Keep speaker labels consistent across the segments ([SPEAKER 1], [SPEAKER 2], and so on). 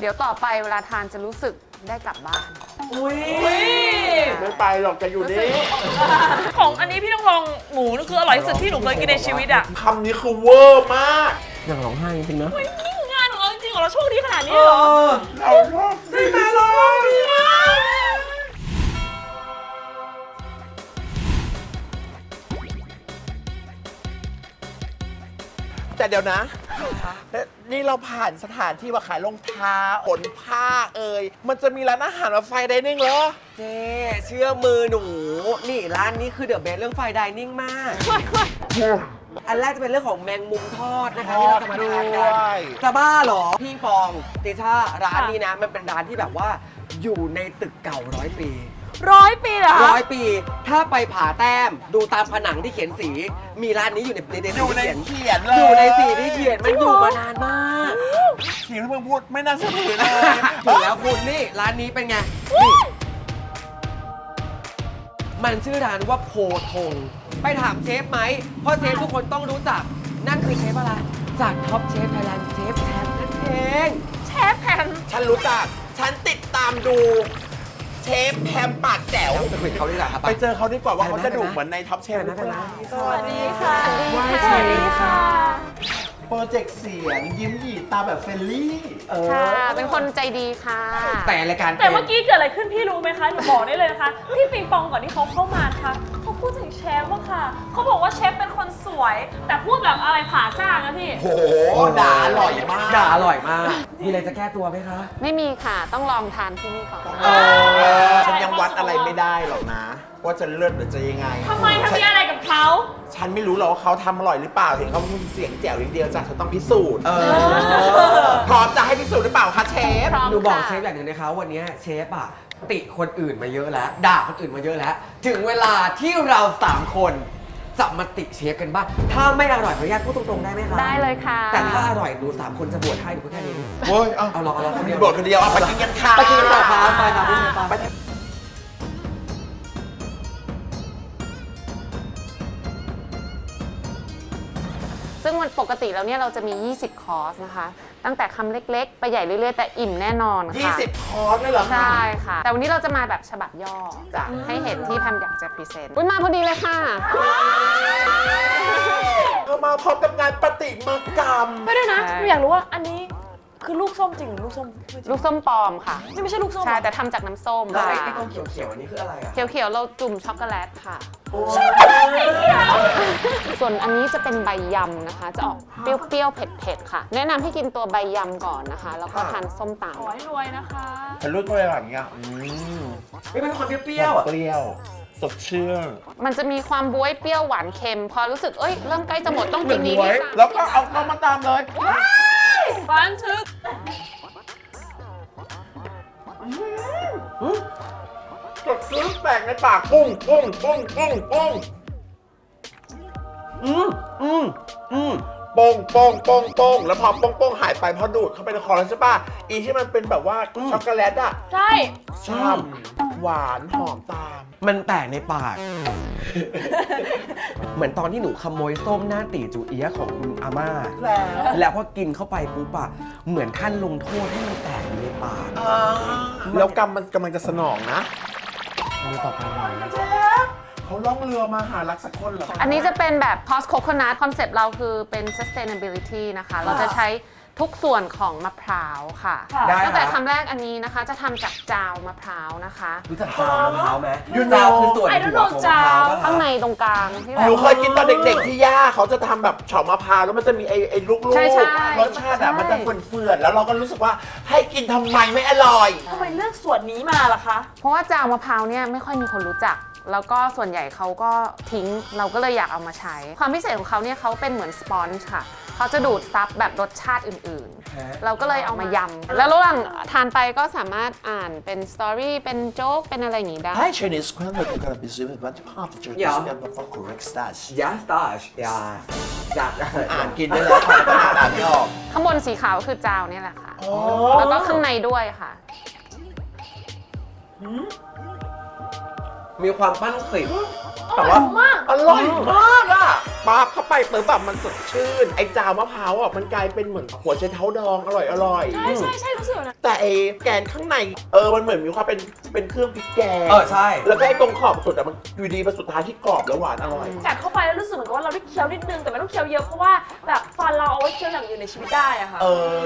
[SPEAKER 1] ดี๋ยวต่อไปเวลาทานจะรู้สึกได้กลับบ้าน
[SPEAKER 2] อุ้ย
[SPEAKER 3] ไม่ไปหรอกจะอยู่นี่
[SPEAKER 2] ของอันนี้พี่ต้องลองหมูนี่คืออร่อยที่สุดที่หนูเคยกินในชีวิตอ่ะ
[SPEAKER 3] คำนี้คือเวอร์มาก
[SPEAKER 4] อยากร้องไห้จริงๆนะ
[SPEAKER 2] นี่คืองานของเราจริงๆของเราโชคดีขนาดนี้เหรอ
[SPEAKER 3] เราชอบได้ไหมล่ะแต่เดี๋ยวนะ นี่เราผ่านสถานที่ว่าขายรองเท้าขนผ้ามันจะมีร้านอาหารมาไฟไดนิ่งเหรอ
[SPEAKER 4] เจ๊เชื่อมือหนู นี่ร้านนี้คือเดอะเบสเรื่องไฟไดนิ่งมาก อันแรกจะเป็นเรื่องของแมงมุมทอดนะคะที่เราจะมาทานกันจะบ้าเหรอ พี่ปองติช่าร้านนี้นะ มันเป็นร้านที่แบบว่าอยู่ในตึกเก่า100 ปี
[SPEAKER 2] 100 ปีเหรอ
[SPEAKER 4] 100 ปี ถ้าไปผาแต้มดูตามผนังที่เขียนสี มีร้านนี้อยู่ในสี
[SPEAKER 3] อยู่ใน
[SPEAKER 4] ที่เขียน
[SPEAKER 3] เขียนเลย
[SPEAKER 4] อยู่ในสีที่เขียนมันอยู่มานานมาก
[SPEAKER 3] เสียงที่มึงพูดไม่น่าเชื่อถือเลย
[SPEAKER 4] ถึงแล้วคุณนี่ร้านนี้เป็นไงนี่มันชื่อร้านว่าโพธงไปถามเชฟไหมเพราะเชฟทุกคนต้องรู้จัก นั่นคือเชฟอะไร จากท็อปเชฟไทยแลนด์เชฟแทมนั่นเอง
[SPEAKER 2] เชฟแพม
[SPEAKER 3] ฉันรู้จัก ฉันติดตามดูเชฟแพมปากแจ๋ว
[SPEAKER 4] ไปคุยกับเขาดีกว่าครับ
[SPEAKER 3] ไปเจอเขาดีกว่าว่า
[SPEAKER 4] ไปนะ
[SPEAKER 3] เขาจะดุ
[SPEAKER 4] ไปนะ
[SPEAKER 3] เหมือนในท็อปเชฟหรือเปล่า
[SPEAKER 2] สวัสดีค่ะ
[SPEAKER 4] สวัสดีค่ะ
[SPEAKER 3] โปรเจกต์เสียงยิ้มหยีตาแบบเฟรนลี่
[SPEAKER 1] ค่ะ เป็นคนใจดีค่ะ
[SPEAKER 4] แต่รายการ
[SPEAKER 2] แต่เมื่อกี้เกิดอะไรขึ้นพี่รู้ไหมคะ หนูบอกได้เลยนะคะ พี่ปิงปองก่อนที่เขาเข้ามานะคะเขาพูดถึงเชฟว่าค่ะ เขาบอกว่าเชฟเป็นคนสวย แต่พูดแบบอะไรผาซ่านะพี่
[SPEAKER 3] โหด่าอร่อยมาก
[SPEAKER 4] ด่าอร่อยมาก มีอะไรจะแก้ตัวไหมคะ
[SPEAKER 1] ไม่มีค่ะ ต้องลองทานที่นี่ก่อน
[SPEAKER 3] ฉันยังวัดอะไรไม่ได้หรอกนะ ว่าจะเลิศหรือจะยังไง
[SPEAKER 2] ทำไมทำมีอะไรกับเขา
[SPEAKER 3] ฉันไม่รู้หรอกว่าเขาทำอร่อยหรือเปล่า เห็นเขาพูดเสียงแจ๋วอย่างเดียวจ้ะฉันต้องพิสูจน์พร้อมจะให้พิสูจน์หรือเปล่าคะเชฟ
[SPEAKER 1] พร้อม
[SPEAKER 4] หนูบอก
[SPEAKER 1] ค่ะ
[SPEAKER 4] เชฟอย่างหนึ่งนะคะวันนี้เชฟอ่ะติคนอื่นมาเยอะแล้ว ด่าคนอื่นมาเยอะแล้ว ถึงเวลาที่เรา3คนจะมาติเชฟกันบ้างถ้าไม่อร่อยขออนุญาตพูดตรงๆได้ไหมคะ
[SPEAKER 1] ได้เลยค่ะ
[SPEAKER 4] แต่ถ้าอร่อยหนู3คนจะบวชให้หนูพูดแค่นี้
[SPEAKER 3] เว้ย
[SPEAKER 4] เอาลองคนเดียว
[SPEAKER 3] บทคนเดียวเอาไปกินกันค่ะ
[SPEAKER 4] ไปกินกันต่อครับไปครับพี่เชฟไป
[SPEAKER 1] ซึ่งวันปกติแล้วเนี่ยเราจะมี 20 คอร์สนะคะ ตั้งแต่คำเล็กๆ ไปใหญ่เรื่อยๆ แต่อิ่มแน่นอนค่ะ
[SPEAKER 3] 20 คอร์สเลยเหรอคะ
[SPEAKER 1] ใช่ค่ะ แต่วันนี้เราจะมาแบบฉบับย่อ
[SPEAKER 3] จ้ะ
[SPEAKER 1] ให้เห็นที่แพมอยากจะพรีเซนต์อุ๊ยมาพอดีเลยค่ะ
[SPEAKER 3] เอามาพร้อมกับงานประติมากรรม
[SPEAKER 2] ไม่ด้วยนะ
[SPEAKER 1] ใช่
[SPEAKER 2] หนูอยากรู้ว่าอันนี้คือลูกส้มจริงหรือลูกส้มไม่จริง
[SPEAKER 1] ลูกส้มปลอมค่ะ
[SPEAKER 2] นี่ไม่ใช่ลูกส้ม
[SPEAKER 1] ใช่
[SPEAKER 2] เหรอ
[SPEAKER 1] แต่ทำจากน้ำส้ม
[SPEAKER 4] แล้ว
[SPEAKER 1] ค่ะ
[SPEAKER 4] ไอ้ตรงเขียวๆอันนี้คืออะไรอ่ะ
[SPEAKER 1] เขียวๆ เราจุ่มช็อกโกแลตค่ะ ส่วนอันนี้จะเป็นใบยำนะคะ จะออกเปรี้ยวๆ เผ็ดๆ ค่ะ แนะนำให้กินตัวใบยำก่อนนะคะ แล้วก็ทานส้มตาม
[SPEAKER 2] ขอให้รวยนะคะ
[SPEAKER 3] ฉันรู้ตัวอะไรอย่างเงี้ย
[SPEAKER 4] ไม่เป็นความเปรี้ยวๆอ่ะ
[SPEAKER 3] เปรี้ยว สดชื่น
[SPEAKER 1] มันจะมีความบ๊วยเปรี้ยวหวานเค็ม พอรู้สึก เอ้ย เริ่มใกล้จะหมดต้องกินนี้
[SPEAKER 3] ไว้
[SPEAKER 1] นี่ค่ะ
[SPEAKER 3] แล้วก็เอาเข้ามาตามเลย
[SPEAKER 2] ฟันทึก
[SPEAKER 3] สดชื่นแปลกในปากปุ้งปุ้งปุ้งปุ้งปุ้ง
[SPEAKER 4] อืม
[SPEAKER 3] โป้งโป้งโป้งโป้งแล้วพอโป้งโป้งหายไปพอดูดเข้าไปในคอแล้วใช่ป่ะ อีที่มันเป็นแบบว่าช็อกโกแลตอะ
[SPEAKER 2] ใช่
[SPEAKER 3] ช่ำหวานหอมตาม
[SPEAKER 4] มันแตกในปาก เหมือนตอนที่หนูขโมยส้มหน้าตีจูเอียะของคุณอาม่า แล้วพอกินเข้าไปปุ๊บอะเหมือนท่านลงโทษให้มันแตกอยู่ในปาก
[SPEAKER 3] แล้วกรรมมันกำลังจะสนองนะ
[SPEAKER 4] มือต่อไปหน่อย
[SPEAKER 3] เขาล่องเรือมาหารักสักคนเหรอ
[SPEAKER 1] อันนี้จะเป็นแบบ post coconut คอนเซปต์เราคือเป็น sustainability นะคะ เราจะใช้ทุกส่วนของมะพร้าวค่ะ
[SPEAKER 4] ได้
[SPEAKER 1] ตั้งแต่
[SPEAKER 4] ครับ
[SPEAKER 1] คำแรกอันนี้นะคะจะทำจากจาวมะพร้าวนะคะ
[SPEAKER 4] รู้จักจาวมะพร้าวไหม
[SPEAKER 3] You know
[SPEAKER 4] จาวคือส่วนหัวของมะพร้าวปะ
[SPEAKER 1] ข้างในตรงกลางที่แบ
[SPEAKER 3] ห
[SPEAKER 1] บ
[SPEAKER 3] นูเคยกินตอนเด็กๆที่ย่าเขาจะทำแบบเฉาะมะพร้าวแล้วมันจะมีไอ้ลูก
[SPEAKER 1] ใช่ใช่
[SPEAKER 3] รสชาติอะมันจะเฟื่อนๆแล้วเราก็รู้สึกว่าให้กินทำไมไม่อร่อย
[SPEAKER 2] ทำไมเลือกส่วนนี้มาล่ะคะ
[SPEAKER 1] เพราะว่าจาวมะพร้าวเนี่ยไม่ค่อยมีคนรู้จัก แล้วก็ส่วนใหญ่เขาก็ทิ้งเราก็เลยอยากเอามาใช้ ความพิเศษของเขาเนี่ยเขาเป็นเหมือนสปอนจ์ค่ะเขาจะดูดซับแบบรสชาติอื่นๆ เราก็เลยเอามายำแล้วระหว่างทานไปก็สามารถอ่านเป็นสตอรี่เป็นโจ๊กเป็นอะไรอย่างงี้ได้
[SPEAKER 3] Hi Chinese Scrambled Egg Biscuit with one half the
[SPEAKER 4] Ja.
[SPEAKER 3] for correct starch
[SPEAKER 4] ยาสตาชยาจาก
[SPEAKER 3] อ่านกินได้แล้วค่ะแต่อ่านไม่ออก
[SPEAKER 1] ข้างบนสีขาวคือจาวเนี่ยแหละค่ะ แล้วก็ข้างในด้วยค่ะ
[SPEAKER 4] มีความปั้นกลิ่น
[SPEAKER 3] แต่ว่าอร่อยมากอ่ะปาบเข้าไปเปิดแบบมันสดชื่น ไอ้จาวมะพร้าวอ่ะมันกลายเป็นเหมือนหัวไชเท้าดองอร่อย
[SPEAKER 2] ใช่ใช่ใช่รู้สึกแบบนั้น
[SPEAKER 3] แต่ไอ้แกนข้างในมันเหมือนมีความเป็นเครื่องพริกแกง
[SPEAKER 4] ใช่
[SPEAKER 3] แล้วก็ไอ้ตรงขอบสุดอ่ะมันอยู่ดีเป็นสุดท้ายที่กรอบแล้วหวานอร่อย
[SPEAKER 2] กัดเข้าไปแล้วรู้สึกเหมือนกับว่าเราได้เคี้ยวนิดนึงแต่ไม่ต้องเคี้ยวเยอะเพราะว่าแบบฟันเราเอาไว้เคี้ยวอย่างอื่นในชีวิตได้อะค่ะ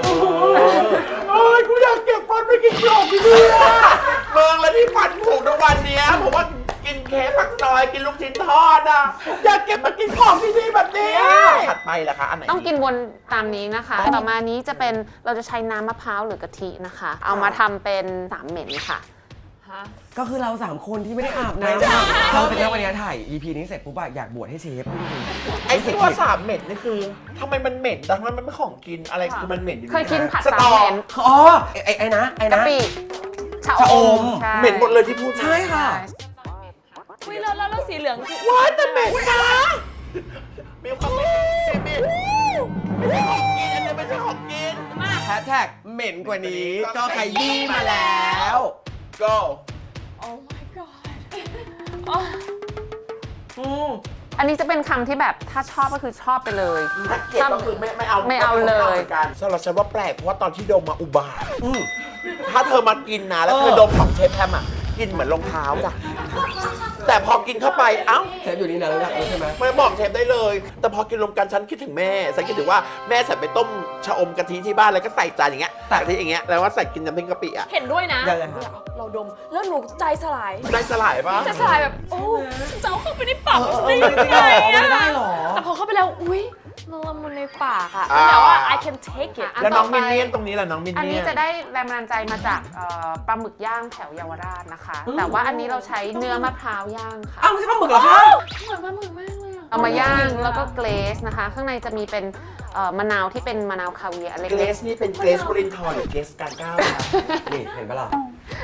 [SPEAKER 3] กูอยากเก็บฟันไปกินกรอบที่นี่เมืองแล้วที่ฟันผุทุกวันเนี้ยผมว่ากินเค้กปักซอยกินลูกชิ้นทอดอ่ะอยากเก็บมากินของที่นี่แบบนี้ถัดไปล่ะคะอันไหน
[SPEAKER 1] ต้องกินวนตามนี้นะคะ ต่อมานี้จะเป็นเราจะใช้น้ำมะพร้าวหรือกะทินะคะ เอามาทำเป็นสามเหม็นค่ะ
[SPEAKER 4] ก็คือเรา3คนที่ไม่ได้อาบน้ำเราจะเลือกวันนี้ถ่าย EP นี้เสร็จปุ๊บอะอยากบวชให้เชฟ
[SPEAKER 3] ไอ้ที่ว่าสามเหม็นนี่คือทำไมมันเหม็นแต่ทำไมมันไม่ของกินอะไรคือมันเหม็นอยู่
[SPEAKER 1] เคยกินผัด
[SPEAKER 3] ส
[SPEAKER 1] สาม
[SPEAKER 3] ตอ
[SPEAKER 1] เหม็น
[SPEAKER 4] อ๋อไอ้นะ
[SPEAKER 1] กะปิชะ
[SPEAKER 4] ชะ
[SPEAKER 1] อ
[SPEAKER 4] อ
[SPEAKER 1] ม
[SPEAKER 4] ม
[SPEAKER 1] ใช่
[SPEAKER 3] เหม็นหมดเลยที่พูดมา
[SPEAKER 4] ใช่ค่ะ
[SPEAKER 2] อุ้ยแล้วสีเหลืองคือ
[SPEAKER 3] ว้ายแต่เหม็นนะมีความเหม็นไม่ใช่ของกินอันนี้ไม่ใช่ของกิน
[SPEAKER 4] แฮชแท็กเหม็นกว่านี้ก็ขยี้มาแล้ว
[SPEAKER 3] go
[SPEAKER 2] โอ้ my god
[SPEAKER 1] อันนี้จะเป็นคำที่แบบถ้าชอบก็คือชอบไปเลย
[SPEAKER 3] ถ้าเกลียดก็คือไม่เอา
[SPEAKER 1] ไม่เอาเลย
[SPEAKER 3] กันสำหรับฉันว่าแปลกเพราะว่าตอนที่ดมมาอุบาทถ้าเธอมากินนะแล้วเธอดมของเชฟแฮมอ่ะกินเหมือนรองเท้าจ้ะแต่พอกินเข้าไปเอ้า
[SPEAKER 4] เชฟอยู่นี่นะรู้จักใช่ไหม
[SPEAKER 3] ไม่บอกเชฟได้เลย แต่พอกินรวมกันฉันคิดถึงแม่ฉันคิดถึงว่าแม่ฉันไปต้มชะอมกะทิที่บ้านแล้วก็ใส่จานอย่างเงี้ยกะทิอย่างเงี้ยแล้วว่าใส่กินน้ำพริกกะปิอ่ะ
[SPEAKER 2] เห็นด้วยนะ
[SPEAKER 4] ยังไงครับ
[SPEAKER 2] เราดมแล้วหนูใจสลาย
[SPEAKER 3] ได้สลายปะ
[SPEAKER 2] ใจสลายแบบโอ้ฉันจะเอาเข้าไปในปากฉันได้ยังไง
[SPEAKER 4] ไม่
[SPEAKER 2] อะ
[SPEAKER 4] ได้หรอ
[SPEAKER 2] แต่พอเข้าไปแล้วอุ้ยมันละมุนในปากอะแต่ว่า I can take it
[SPEAKER 3] แล้วน้องมินเนี่ยนตรงนี้แหละน้องมิน
[SPEAKER 1] อัน
[SPEAKER 3] เนี่
[SPEAKER 1] นี้
[SPEAKER 3] ยน
[SPEAKER 1] จะได้แรงบันดาลใจมาจากปลาหมึกย่างแถวเยาวราชนะคะ แต่ว่าอันนี้เราใช้เนื้อมะพร้าวย่างค่ะ
[SPEAKER 4] อ้าวไม่ใช่ปลาหมึกเหรอคะ
[SPEAKER 2] เหมือนปลาหมึกมากเลยอะ
[SPEAKER 1] เอามาย่างแล้วก็เกรซนะคะ ข้างในจะมีเป็นมะนาวที่เป็นมะนาวคาเวียร์เล็
[SPEAKER 3] เกร
[SPEAKER 1] ก
[SPEAKER 3] ซนี่เป็นเกรซบรินทร์หรือเกรซการก้าวคะ
[SPEAKER 4] นี่เห็นปะล่ะ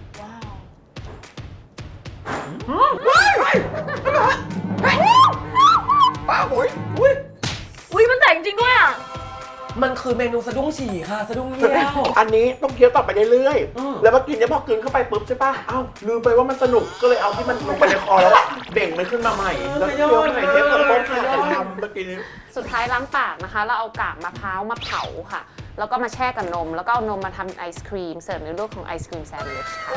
[SPEAKER 3] ป้าอุ้ย
[SPEAKER 2] อุ้ยมันแตกจริงด้วยอะ
[SPEAKER 4] มันคือเมนูสะดุ้งฉี่ค่ะสะดุ้งเยี่ยว
[SPEAKER 3] อันนี้ต้องเคี้ยวต่อไปเรื่อย
[SPEAKER 4] อืม
[SPEAKER 3] ๆแล้วพอกินเนี่ยพอกินเข้าไปปุ๊บใช่ปะเอ้าลืมไปว่ามันสนุกก็เลยเอาที่มันลงไปในคอแล้วอะเบ่งมันขึ้นมาใหม่แล้วเคี้ยวใหม่เทียบกับต้นขาแต่ทำเมื่อกี้นี้
[SPEAKER 1] ๆ สุดท้ายล้างปากนะคะ เราเอากากมะพร้าวมาเผาค่ะ แล้วก็มาแช่กับนม แล้วก็เอานมมาทำไอศครีม เสิร์ฟในรูปของไอศครีมแซนด์วิชค่ะ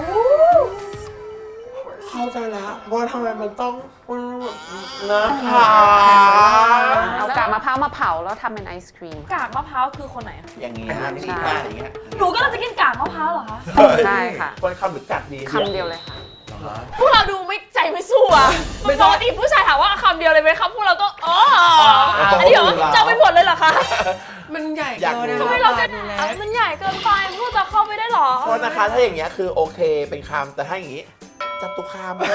[SPEAKER 3] เข้าใจแล้วว่าทำไมมันต้องนะคะ
[SPEAKER 1] เอากากมะพร้าวมาเผาแล้วทำเป็นไอศครีมค่ะ
[SPEAKER 2] กากมะพร้าวคือคนไหนอะ
[SPEAKER 3] อย่างนี้
[SPEAKER 1] ใช่
[SPEAKER 3] นี่ค่ะอย่างเงี้ย
[SPEAKER 2] หนูก็เราจะกินกากมะพร้าวเหรอคะ
[SPEAKER 1] ใช่ค่ะ
[SPEAKER 3] คนคำหรือกัดดี
[SPEAKER 1] คำเดียวเลยค่ะ
[SPEAKER 2] พวกเราดูไม่ใจไม่สู้อะปกติผู้ชายถามว่าคำเดียวเลยไหมครับพวกเราก็อ๋ออันนี้เหรอจะเอาไปหมดเลยเหรอคะ
[SPEAKER 4] มันใหญ่
[SPEAKER 3] อยาก
[SPEAKER 4] เกิน
[SPEAKER 3] รู้
[SPEAKER 2] ทำไมเราจะมันใหญ่เกินไปพวกจะเข้าไปได้เหรอ
[SPEAKER 3] โทษนะคะถ้าอย่างเงี้ยคือโอเคเป็นคำแต่ถ้าอย่างงี้จัตุคาม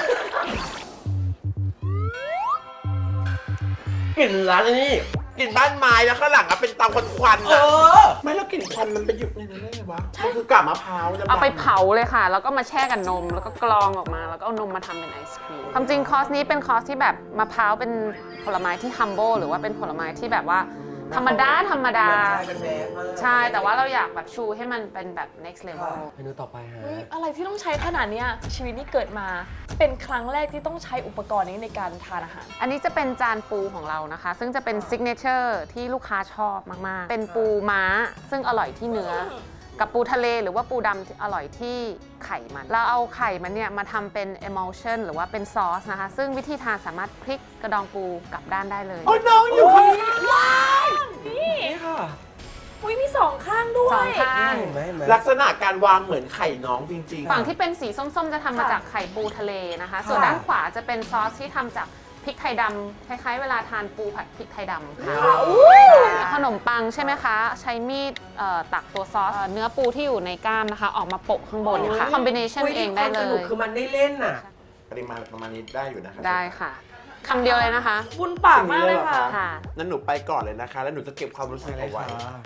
[SPEAKER 3] กลิ่นร้านนี้กลิ่นบ้านไม้แล้วข้างหลังอะเป็นเตาควันๆอะไม่แล้วกลิ่นควันมันไปอยู่ในนั้นได้ไงวะมันคือกาบมะพร้าวดำๆ
[SPEAKER 1] เอาไปเผาเลยค่ะ แล้วก็มาแช่กับนม แล้วก็กรองออกมา แล้วก็เอานมมาทำเป็นไอศครีม ความจริงคอร์สนี้เป็นคอร์สที่แบบมะพร้าวเป็นผลไม้ที่ humble หรือว่าเป็นผลไม้ที่แบบว่าธรรมดา ใช่ แต่ว่าเราอยากแบบชูให้มันเป็นแบบ next level
[SPEAKER 4] เมนูต่อไปฮะ
[SPEAKER 2] เฮ้ยอะไรที่ต้องใช้ขนาดเนี้ยชีวิตนี้เกิดมาเป็นครั้งแรกที่ต้องใช้อุปกรณ์นี้ในการทานอาหาร
[SPEAKER 1] อันนี้จะเป็นจานปูของเรานะคะ ซึ่งจะเป็นซิกเนเจอร์ที่ลูกค้าชอบมาก ๆ เป็นปูม้า ซึ่งอร่อยที่เนื้อ กับปูทะเลหรือว่าปูดำที่อร่อยที่ไข่มัน เราเอาไข่มันเนี่ยมาทำเป็น emulsion หรือว่าเป็นซอสนะคะ ซึ่งวิธีทานสามารถพลิกกระดองปูกลับด้านได้เลย
[SPEAKER 3] โอ้ยน้องอยู่ข้างนี้
[SPEAKER 2] นี่
[SPEAKER 4] นี่ค่ะ
[SPEAKER 2] อุ้ยมีสองข้างด้วย
[SPEAKER 1] สองข้าง
[SPEAKER 4] เห็นไหมเห็นไหม
[SPEAKER 3] ลักษณะการวางเหมือนไข่น้องจริงๆ
[SPEAKER 1] ฝั่งที่เป็นสีส้ม ๆ จะทำมาจากไข่ปูทะเลนะคะ ส่วนด้านขวาจะเป็นซอสที่ทำจากพริกไทยดำคล้ายๆ เวลาทานปูผัดพริกไทยดำค่ะขนมปังใช่ไหมคะ ใช้มีดตักตัวซอสเนื้อปูที่อยู่ในก้ามนะคะ ออกมาโปะข้างบนค่ะคอมบิเนชันเองได้เล
[SPEAKER 4] ความสนุก
[SPEAKER 1] ย
[SPEAKER 4] คือมันได้เล่นน่ะ
[SPEAKER 3] ปริมาณประมาณนี้ได้อยู่นะคะ
[SPEAKER 1] ได้ค่ะคำเดียวเลยนะคะ
[SPEAKER 2] บุญปากมากเลยค่ะ
[SPEAKER 1] ค่ะ
[SPEAKER 3] นั่นหนูไปก่อนเลยนะคะ แล้วหนูจะเก็บความรู้สึกเอาไว้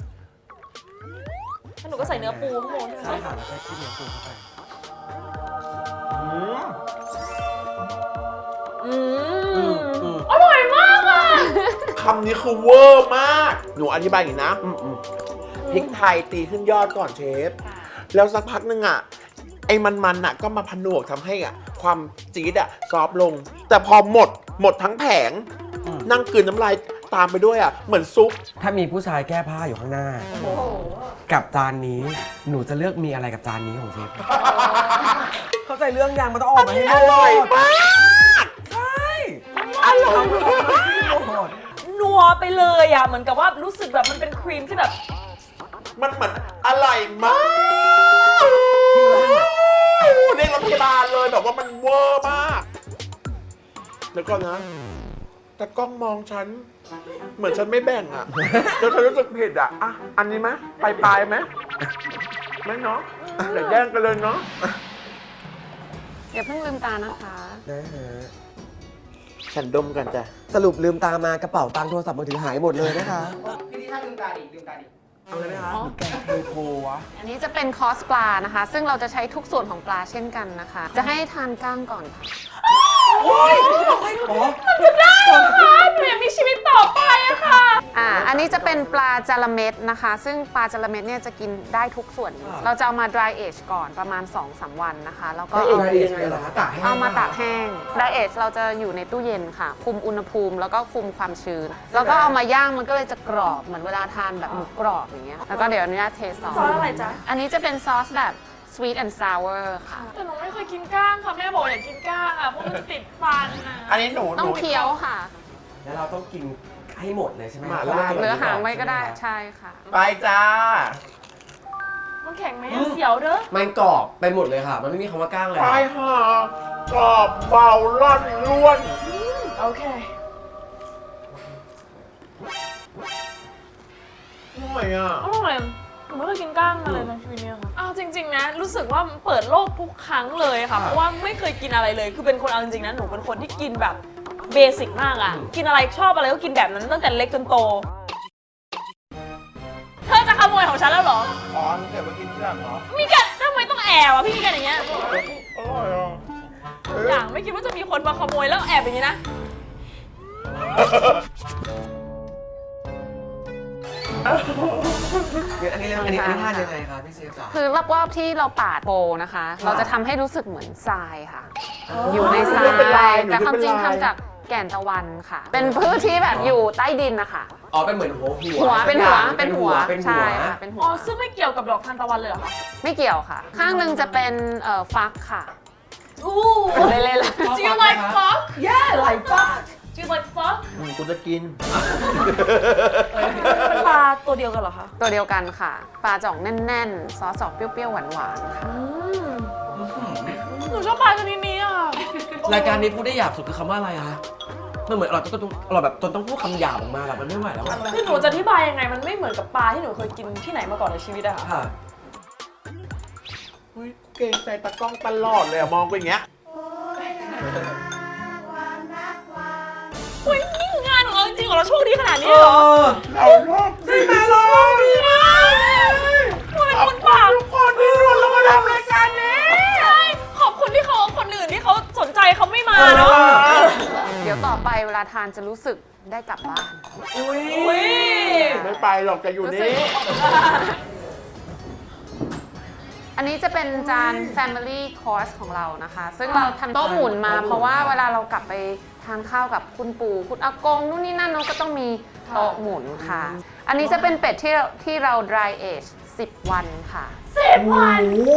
[SPEAKER 2] แล้วหนูก็ใส่เนื้อปูข้างบน
[SPEAKER 4] ใช่ค่ะแล้วก็คิดเนื้อปูเข้าไป
[SPEAKER 2] อร่อยมากอ่ะ
[SPEAKER 3] คำนี้คือเวอร์มาก หนูอธิบายอย่างนี้นะพริกไทยตีขึ้นยอดก่อนเชฟ แล้วสักพักนึงอ่ะไอ้มันๆน่ะก็มาผนวกทำให้อ่ะความจี๊ดอ่ะซอฟต์ลง แต่พอหมดทั้งแผง นั่งกลืนน้ำลายตามไปด้วยอ่ะเหมือนซุป
[SPEAKER 4] ถ้ามีผู้ชายแก้ผ้าอยู่ข้างหน้า กับจานนี้หนูจะเลือกมีอะไรกับจานนี้ของเชฟ เข้าใจเรื่องยังมันต้องออกมาให้หม
[SPEAKER 3] อร่อยมาก
[SPEAKER 4] ใช่
[SPEAKER 3] อร่อยมาก
[SPEAKER 2] นัวไปเลยอ่ะเหมือนกับว่ารู้สึกแบบมันเป็นครีมที่แบบ
[SPEAKER 3] มันเหมือนอร่อยมากเรียกรถพยาบาลเลยแบบว่ามันเวอร์มากแล้วก็นะแต่กล้องมองฉัน เหมือนฉันไม่แบ่งอ่ะจนฉันรู้สึกผิดอ่ะอันนี้ไหมปลายไหมไม่เนาะเดี๋ยวแย่งกันเลยเนาะ
[SPEAKER 1] อย่าเพิ่งลืมตานะคะ
[SPEAKER 4] ได้ฮะ
[SPEAKER 3] ฉันดมกันจ้ะ
[SPEAKER 4] สรุปลืมตามากระเป๋าตังค์โทรศัพท์มือถือหายหมดเลยนะคะ
[SPEAKER 5] พี่นี่ถ้าลืมตาดิลืมตาดิ
[SPEAKER 4] เอาเลยไหมคะ
[SPEAKER 3] แกงเทโพวะ
[SPEAKER 1] อันนี้จะเป็นคอร์สปลานะคะ ซึ่งเราจะใช้ทุกส่วนของปลาเช่นกันนะคะ จะให้ทานก้างก่อนค่ะ
[SPEAKER 2] จะได้เหรอคะหนูอยากมีชีวิตต่อไปอะค่ะ
[SPEAKER 1] อันนี้จะเป็นปลาจาระเม็ดนะคะ ซึ่งปลาจาระเม็ดเนี่ยจะกินได้ทุกส่วน เราจะเอามา dry age ก่อนประมาณ 2-3 วันนะคะ แล้วก็
[SPEAKER 4] ได้
[SPEAKER 1] เอา
[SPEAKER 4] เองยังไงเหรอคะตากแห้ง
[SPEAKER 1] เอามาตากแห้ง dry age เราจะอยู่ในตู้เย็นค่ะ คุมอุณหภูมิแล้วก็คุมความชื้น แล้วก็เอามาย่างมันก็เลยจะกรอบเหมือนเวลาทานแบบหมูกรอบอย่างเงี้ย แล้วก็เดี๋ยวอนุญาตเทซอส
[SPEAKER 2] ซอสอะไรจ๊ะ
[SPEAKER 1] อันนี้จะเป็นซอสแบบ sweet and sour ค่ะ
[SPEAKER 2] แต่หนูไม่เคยกินก้างค่ะแม่บอกอย่ากินก้างอ่ะเพราะมันจะติดฟันอ่ะ
[SPEAKER 3] อันนี้หนู
[SPEAKER 1] ต้องเคี้ยวค่ะ
[SPEAKER 4] แล้วเราต้องกินให้หมดเลยใช่ไหม
[SPEAKER 3] หม่าล่า
[SPEAKER 1] เหลือหางไว้ก็ได้ใช่ค่ะ
[SPEAKER 3] ไปจ้า
[SPEAKER 2] มันแข็งไหมอะเสียวเด้อ
[SPEAKER 4] มันกรอบไปหมดเลยค่ะ มันไม่มีคำว่าก้างเลย
[SPEAKER 3] ไป
[SPEAKER 4] ค่ะ
[SPEAKER 3] หากรอบเบาล่อนล้วน
[SPEAKER 2] โอเค
[SPEAKER 3] อร่อยอ่ะ
[SPEAKER 2] อร่อยหนูไม่เคยกินก้างมาเลยในชีวิตเนี้ยค่ะอ้าวจริงๆนะรู้สึกว่ามันเปิดโลกทุกครั้งเลยค่ะ เพราะว่าไม่เคยกินอะไรเลย คือเป็นคนเอาจริงๆนะหนูเป็นคนที่กินแบบเบสิกมากอ่ะ กินอะไรชอบอะไรก็กินแบบนั้นตั้งแต่เล็กจนโต เธอจะขโมยของฉันแล้วเหรอ
[SPEAKER 3] อ๋อเดี๋ยวมากินที่หลังเหรอ
[SPEAKER 2] มีกันทำไมต้องแอบอ่ะพี่มีกันอย่างเงี้ย
[SPEAKER 3] อร่อยอ่ะ
[SPEAKER 2] อย่างไม่คิดว่าจะมีคนมาขโมยแล้วแอบอย่างนี้นะ
[SPEAKER 4] อันนี้ทานยังไงคะพี่เชฟจ๋า
[SPEAKER 1] คือรอบๆที่เราปาดโปนะคะ เราจะทำให้รู้สึกเหมือนทรายค่ะ อยู่ในทรายแต่ความจริงทำจากแก่นตะวันค่ะ เป็นพืชที่แบบอยู่ใต้ดินนะคะ
[SPEAKER 4] อ๋อเป็นเหมือนหัว
[SPEAKER 1] หัวเป็นหัวเป็นหัว
[SPEAKER 4] เป็นหั
[SPEAKER 1] ใช่
[SPEAKER 4] ว
[SPEAKER 1] ค่ะเป็นหั
[SPEAKER 2] อ๋
[SPEAKER 1] ว
[SPEAKER 2] อซึ่งไม่เกี่ยวกับดอกทานตะวันเลยเหรอคะ
[SPEAKER 1] ไม่เกี่ยวค่ะ ข้างหนึ่งจะเป็นฟักค่ะ
[SPEAKER 2] อู้
[SPEAKER 1] เล่นๆ
[SPEAKER 2] Do you like fuck
[SPEAKER 4] Yeah like fuck
[SPEAKER 2] Do you like fuck
[SPEAKER 3] กูจะกิน
[SPEAKER 2] เป็นปลาตัวเดียวกันเหรอคะ
[SPEAKER 1] ตัวเดียวกันค่ะ ปลาจ่องแน่นๆ ซอสออกเปรี้ยวๆ หวานๆ ค่ะ
[SPEAKER 2] หนูชอบปลาชนิดนี้อ่ะ
[SPEAKER 4] รายการนี้พูดได้หยาบสุดคือคำว่าอะไรคะมันเหมือนเราแบบจนต้องพูดคำหยาบออกมาแบบมันไม่ไหวแล้วอะ
[SPEAKER 2] คือหนูจะอธิบายยังไงมันไม่เหมือนกับปลาที่หนูเคยกินที่ไหนมาก่อนในชีวิตอะค่ะ
[SPEAKER 4] ค่ะ
[SPEAKER 3] อุ๊ยเก่งใจตากล้องตลอดเลยอะมองไปอย่างเงี้ย
[SPEAKER 2] เฮ้ยนี่คืองานของเราจริงๆเหรอเราโชคดีขนาดนี้เลยเหรอ
[SPEAKER 3] เราชอบได้ไหมล่ะ
[SPEAKER 2] ทำไมคนปาก
[SPEAKER 3] ทุกคนที่รวมเรามาทำรายการนี้
[SPEAKER 2] ใช่ขอบคุณที่เขาคนอื่นที่เขาสนใจเขาไม่มาเนาะ
[SPEAKER 1] เดี๋ยวต่อไปเวลาทานจะรู้สึกได้กลับบ้าน
[SPEAKER 2] อุ้ย
[SPEAKER 3] ไม่ไปหรอกจะอยู่นี่
[SPEAKER 1] อันนี้จะเป็นจาน Family Course ของเรานะคะ ซึ่งเราทำโต๊ะหมุนมา เพราะว่าเวลาเรากลับไปทานข้าวกับคุณปู่คุณอากงนู่นนี่นั่นเนาะก็ต้องมีโต๊ะหมุนค่ะ อันนี้จะเป็นเป็ดที่เรา dry age 10 วันค่ะ
[SPEAKER 2] 10 วัน
[SPEAKER 4] โอ้โห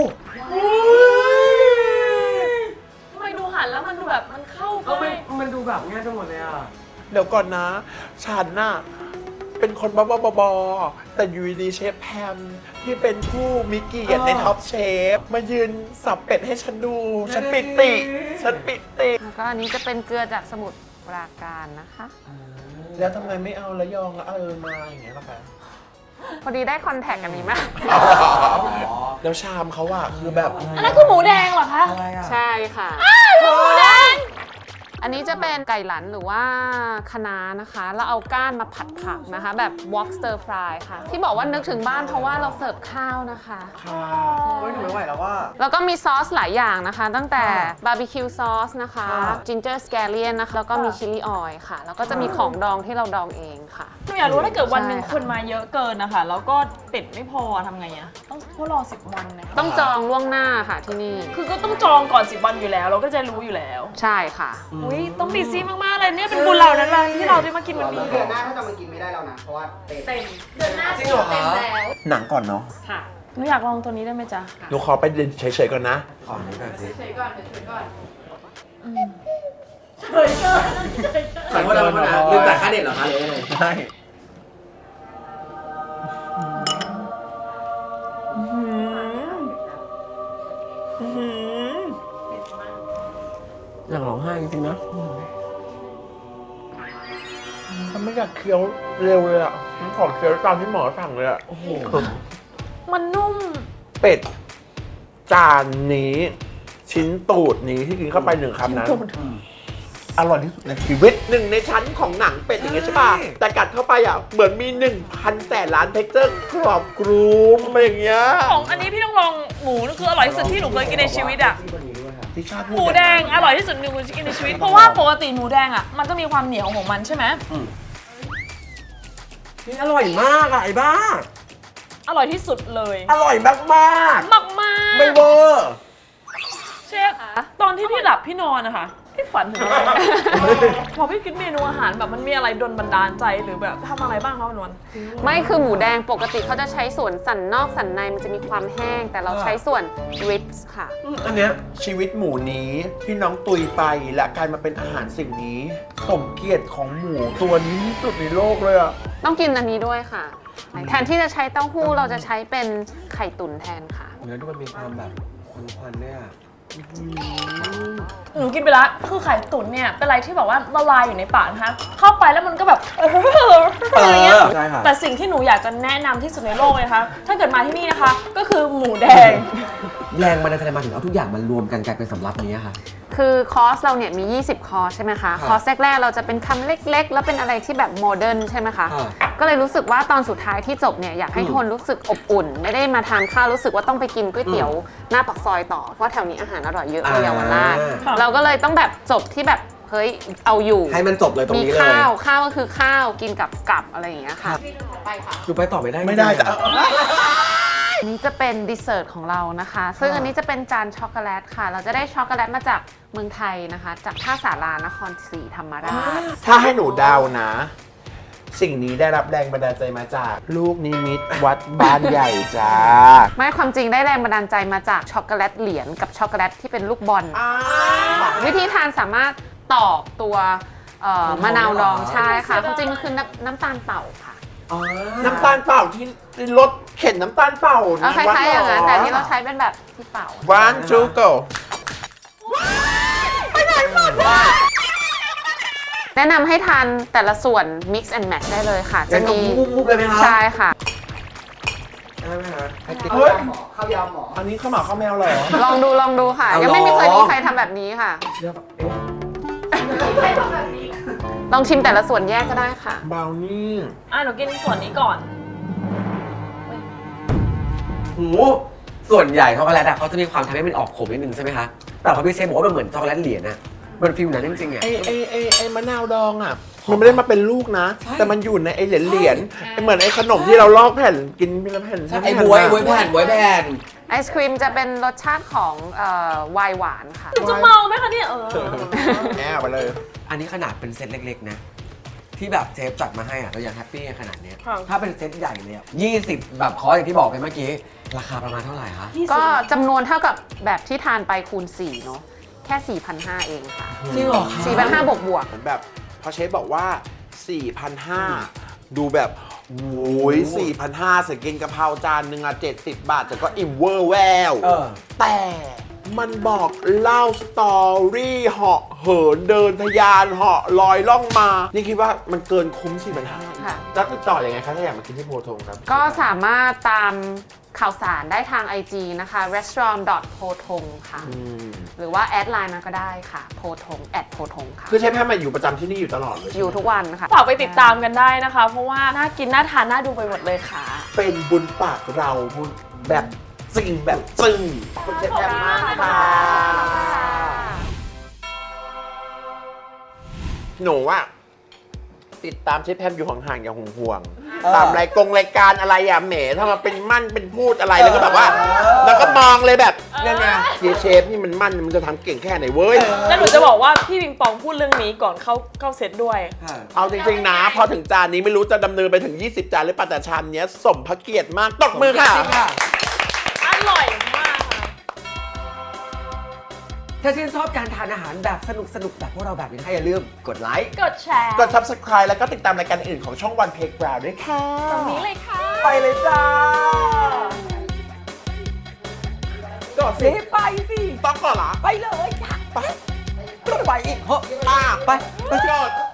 [SPEAKER 2] ทำไมดูหันแล้วมันดูแบบมันเข้า
[SPEAKER 4] ก็
[SPEAKER 2] ไป
[SPEAKER 4] มันดูแบบง่ายไปหมดเลยอ่ะ
[SPEAKER 3] เดี๋ยวก่อนนะ ฉันน่ะ เป็นคนบ้าๆแต่อยู่ดีๆเชฟแพมที่เป็นผู้มีเกียรติในท็อปเชฟ มายืนสับเป็ดให้ฉันดู ฉันปิติ ฉันปิติ
[SPEAKER 1] แล้วก็อันนี้จะเป็นเกลือจากสมุทรปราการนะคะ
[SPEAKER 3] แล้วทำไมไม่เอาระยองแล้วมาอย่างเงี้ยล่ะคะ
[SPEAKER 1] พอดีได้คอนแทคอันนี้มา
[SPEAKER 3] แล้วชามเขาอะคือแบบ
[SPEAKER 2] อันนั้นคือหมูแดงเหรอคะ
[SPEAKER 4] อะไรอ่ะ
[SPEAKER 1] ใช่ค่ะ
[SPEAKER 2] หมูแดง
[SPEAKER 1] อันนี้จะเป็นไก่หลันหรือว่าคะน้านะคะ แล้วเอาก้านมาผัดผักนะคะ แบบ wok stir fry ค่ะ ที่บอกว่านึกถึงบ้านเพราะว่าเราเสิร์ฟข้าวนะคะ
[SPEAKER 4] เฮ้ยหนูไม่ไหวแล้วว่า
[SPEAKER 1] แล้วก็มีซอสหลายอย่างนะคะ ตั้งแต่บาร์บีคิวซอสนะคะ
[SPEAKER 4] ค่ะ
[SPEAKER 1] จินเจอร์สแกเลียนนะคะ แล้วก็มีชิลลี่ออยล์ค่ะ แล้วก็จะมีของดองที่เราดองเองค่ะ
[SPEAKER 2] หนูอยากรู้ถ้าเกิดวันหนึ่ง
[SPEAKER 1] ใช่ค่ะ
[SPEAKER 2] คนมาเยอะเกินนะคะแล้วก็เป็ดไม่พอทำไงอะต้องเพราะรอ10 วันนะคะ
[SPEAKER 1] ต้องจองล่วงหน้าค่ะที่นี่
[SPEAKER 2] คือก็ต้องจองก่อน10 วันอยู่แล้ว เราก็จะรู้อยู่แล้ว
[SPEAKER 1] ใช่ค่ะ
[SPEAKER 2] อุ้ยต้องบีซี่มากๆเลยเนี่ยเป็นบุญเรานั้นเลยที่เราได้มากินวันนี้
[SPEAKER 5] เดือนหน้าถ้าจะมากินไม่ได้แล้วนะ เพราะว่าเต็ม
[SPEAKER 2] เดือนหน้า
[SPEAKER 4] จริงเหรอคะ
[SPEAKER 3] หนังก่อนเนาะ
[SPEAKER 2] ค่ะหนูอยากลองตัวนี้ได้ไหมจ๊ะ
[SPEAKER 3] หนูขอไปเดินเฉยๆก่อนนะ
[SPEAKER 4] ขอนี้ก่อนสิ
[SPEAKER 5] เฉยก่อนเฉยก่อน
[SPEAKER 4] ขอโทษนะลืมจ่ายค่าเน็ตเหรอคะหรือยังไงใช่ อยากร้องไห้จริงๆนะ
[SPEAKER 3] ฉันไม่อยากเคี้ยวเร็วเลยอ่ะฉันขอเคี้ยวตามที่หมอสั่งเลยอ่ะ
[SPEAKER 4] โอ้โห
[SPEAKER 2] มันนุ่ม
[SPEAKER 3] เป็ดจานนี้ ชิ้นตูดนี้ที่กินเข้าไป1 คำนั้นอร่อยที่สุดในชีวิตหนึ่งในชั้นของหนังเป็ดอย่างเงี้ยใช่ป่ะ แต่กัดเข้าไปอ่ะเหมือนมี 1,000 แสนล้านเท็กเจอร์กรอบกรูมอะไรอย่างเงี้ย
[SPEAKER 2] ของอันนี้พี่ต้องลองหมูนี่คืออร่อยที่สุดที่หนูเคยกินในชีวิตอะ
[SPEAKER 3] ที่ชาติ
[SPEAKER 2] หมูแดงอร่อยที่สุดหนึ่งเคยกินในชีวิต เพราะว่าปกติหมูแดงอะมันจะมีความเหนียวของมันใช่ไหม
[SPEAKER 4] นี่อร่อยมากอ่ะไอ้บ้า
[SPEAKER 2] อร่อยที่สุดเลย
[SPEAKER 3] อร่อยมาก
[SPEAKER 2] มากมาก
[SPEAKER 3] ๆ ไม่เวอร์
[SPEAKER 2] เชฟตอนที่พี่หลับพี่นอนนะคะพี่ฝันถึงอะไรพอพี่คิดเมนูอาหารแบบมันมีอะไรดลบันดาลใจหรือแบบทำอะไรบ้างคะวันวัน
[SPEAKER 1] ไม่คือหมูแดงปกติเขาจะใช้ส่วนสันนอกสันในมันจะมีความแห้ง แต่เราใช้ส่วน ribs ค่ะ
[SPEAKER 3] อันเนี้ยชีวิตหมูนี้ที่น้องตุยไปและกลายมาเป็นอาหารสิ่งนี้ สมเกียรติของหมูตัวนี้ที่สุดในโลกเลยอ่ะ
[SPEAKER 1] ต้องกินอันนี้ด้วยค่ะ แทนที่จะใช้เต้าหู้เราจะใช้เป็นไข่ตุ๋นแทนค่ะ
[SPEAKER 4] เนื้อดูมันมีความแบบควันๆเนี่ย
[SPEAKER 2] หนูกินไปละคือไข่ตุ๋นเนี่ยเป็นอะไรที่แบบว่าละลายอยู่ในปากนะคะเข้าไปแล้วมันก็แบบอะไรเงี้ย
[SPEAKER 4] ใช่ค่ะ
[SPEAKER 2] แต่สิ่งที่หนูอยากจะแนะนำที่สุดในโลกเลยนะคะถ้าเกิดมาที่นี่นะคะ ก็คือหมูแดง
[SPEAKER 4] แรงมันจะมาถึงเอาทุกอย่างมารวมกันกลายเป็นสำรับนี้ค่ะ
[SPEAKER 1] คือคอร์สเราเนี่ยมี 20 คอร์สใช่ไหมคะ
[SPEAKER 4] ครับ
[SPEAKER 1] คอร์สแรกๆเราจะเป็นคำเล็กๆ แล้วเป็นอะไรที่แบบโมเดิร์นใช่ไหมคะ
[SPEAKER 4] ครับ
[SPEAKER 1] ก็เลยรู้สึกว่าตอนสุดท้ายที่จบเนี่ยอยากให้ทุกคนรู้สึกอบอุ่น ไม่ได้มาทานข้าวรู้สึกว่าต้องไปกินก๋วยเตี๋ยวหน้าปากซอยต่อ เพราะแถวนี้อาหารอร่อยเยอะในเยาวราช
[SPEAKER 2] ค่ะ
[SPEAKER 1] เราก็เลยต้องแบบจบที่แบบเฮ้ยเอาอยู่
[SPEAKER 4] ให้มันจบเลยตรง
[SPEAKER 1] มี
[SPEAKER 4] นี้เลย
[SPEAKER 1] ข้าวก็คือข้าวกินกับอะไรอย่างเงี้ยค่ะ
[SPEAKER 4] ดูไปต่อไม่ได้
[SPEAKER 3] ไม่ได้
[SPEAKER 4] จริงๆ
[SPEAKER 3] แต่
[SPEAKER 1] อันนี้จะเป็นดีเซอร์ตของเรานะคะ ซึ่งอันนี้จะเป็นจานช็อกโกแลตค่ะ เราจะได้ช็อกโกแลตมาจากเมืองไทยนะคะ จากท่าสารานครศรีธรรมราช
[SPEAKER 3] ถ้าให้หนูเดานะ สิ่งนี้ได้รับแรงบันดาลใจมาจากลูกนิมิตวัดบ้านใหญ่จ้า
[SPEAKER 1] ไม่ความจริงได้แรงบันดาลใจมาจากช็อกโกแลตเหรียญกับช็อกโกแลตที่เป็นลูกบอล วิธีทานสามารถตอกตัวมะนาวดองใช่ค่ะความจริงมันคือน้ำตาลเป่าค่ะ
[SPEAKER 4] อ๋อ
[SPEAKER 3] น้ำตาลเปล่าที่รถเข็นน้ำตาลเปล่า
[SPEAKER 1] เอาคล้ายๆอย่างนั้นแต่ที่เราใช้เป็นแบบที่เป่า
[SPEAKER 3] One two go
[SPEAKER 1] แนะนำให้ทานแต่ละส่วน mix and match ได้เลยค่ะ จะมี
[SPEAKER 4] มุกๆเลยไหมคะ
[SPEAKER 1] ใช่ค่ะ
[SPEAKER 4] ได้ไหมคะไอติม
[SPEAKER 3] เฮ้ย
[SPEAKER 5] ข้าวยำหมอ
[SPEAKER 3] อันนี้ข้าวหมาข้าวแมวเหรอ
[SPEAKER 1] ลองดูค่ะ
[SPEAKER 4] เอายั
[SPEAKER 1] ยังไม่มี
[SPEAKER 4] เหรอ
[SPEAKER 1] เคยมีใครทำแบบนี้ค่ะ
[SPEAKER 4] เชื่อปะเอ๊ะ
[SPEAKER 1] ลองชิมแต่ละส่วนแยกก็ได้ค่ะ
[SPEAKER 3] บราวนี่
[SPEAKER 2] หนูกินส่วนนี้ก่อน
[SPEAKER 4] หูส่วนใหญ่ช็อกโกแลตอะเขาจะมีความทำให้มันออกขมนิดนึงใช่ไหมคะ แต่พอพี่เซฟบอกว่ามันเหมือนช็อกโกแลตเหรียญอะมันฟิลนั้นจริงๆอะ
[SPEAKER 3] ไอ้มะนาวดองอ่ะ มันไม่ได้มาเป็นลูกนะ
[SPEAKER 4] ใช่
[SPEAKER 3] แต่มันอยู่ในไอ้เหรียญเหมือนไอ้ขนมที่เราลอกแผ่นกินเป็นแผ่น
[SPEAKER 4] ไอ้บวยแผ่นบวยแผ่น
[SPEAKER 1] ไอศครีมจะเป็นรสชาติของไวน์หวานค่ะ
[SPEAKER 2] หนูจะเมาไหมคะเนี่ย
[SPEAKER 3] แง่ไปเลย
[SPEAKER 4] อันนี้ขนาดเป็นเซตเล็กๆนะ ที่แบบเชฟจัดมาให้อะเรายังแฮปปี้ขนาดเนี้ย
[SPEAKER 2] ครับ
[SPEAKER 4] ถ้าเป็นเซตใหญ่เลยอะ20 แบบคอร์สอย่างที่บอกไปเมื่อกี้ ราคาประมาณเท่าไหร่คะ
[SPEAKER 1] ก็จำนวนเท่ากับแบบที่ทานไปคูณ 4 เนาะแค่ 4,500 เองค่ะ
[SPEAKER 4] จริงเหรอคะ
[SPEAKER 1] 4,500 บวก
[SPEAKER 3] เหมือนแบบพอเชฟบอกว่า 4,500 ดูแบบโอ้ย4,500เสร็จกินกะเพราจานหนึ่งอะ70 บาท แต่ก็อิ่มเวอร์แวว แต่มันบอกเล่าสตอรี่เหาะเหินเดินทะยานเหาะลอยล่องมา นี่คิดว่ามันเกินคุ้ม 4,500
[SPEAKER 1] ค่ะ
[SPEAKER 3] แล้วติดต่ออยังไงคะถ้าอยากมากินที่โพธงครับ
[SPEAKER 1] ก็สามารถตามข่าวสารได้ทาง IG นะคะ restaurant.potong ค่ะ หรือว่าแอดไลน์มาก็ได้ค่ะ potong @potong ค่ะ
[SPEAKER 3] คือเชฟแพมมาอยู่ประจำที่นี่อยู่ตลอดเลย
[SPEAKER 1] อยู่ทุกวันค่ะ
[SPEAKER 2] ฝากไปติดตามกันได้นะคะ เพราะว่าน่ากินน่าทานน่าดูไปหมดเลยค่ะ
[SPEAKER 3] เป็นบุญปากเราแบบจริงแบบจึงคุณเชฟแพมมากค่ะหนูว่าติดตามเชฟแพมอยู่ห่างๆอย่างห่วงๆตามรายการอะไรอ่ะแหมถ้ามาเป็นมั่นเป็นพูดอะไรแล้วก็แบบว่า แล้วก็มองเลยแบบนั่นไงเชฟนี่มันมั่นมันจะทำเก่งแค่ไหนเว้ย
[SPEAKER 2] แล้วหนูจะบอกว่าพี่ปิงปองพูดเรื่องนี้ก่อนเข้าเซตด้วย
[SPEAKER 3] เอาจริงๆนะ พอถึงจานนี้ไม่รู้จะดำเนินไปถึง 20 จานหรือเปล่าแต่ชามเนี้ยสมพระเกียรติมากตบมือค่ะ
[SPEAKER 2] อร่อยมากค่ะ
[SPEAKER 4] ถ้าชื่นชอบการทานอาหารแบบสนุกๆแบบพวกเราแบบนี้อย่าลืมกดไลค์
[SPEAKER 2] กดแชร์
[SPEAKER 3] กด subscribe แล้วก็ติดตามรายการอื่นของช่องวันเพกบราวด้วยค่ะ
[SPEAKER 2] ตรงนี้เลยค่ะ
[SPEAKER 3] ไปเลยจ้า
[SPEAKER 4] กดสิไปสิ
[SPEAKER 3] ต้องก่อนเหรอ
[SPEAKER 4] ไปเลยจ้ะไปต้องไปอีกเหอะไปไป
[SPEAKER 3] กด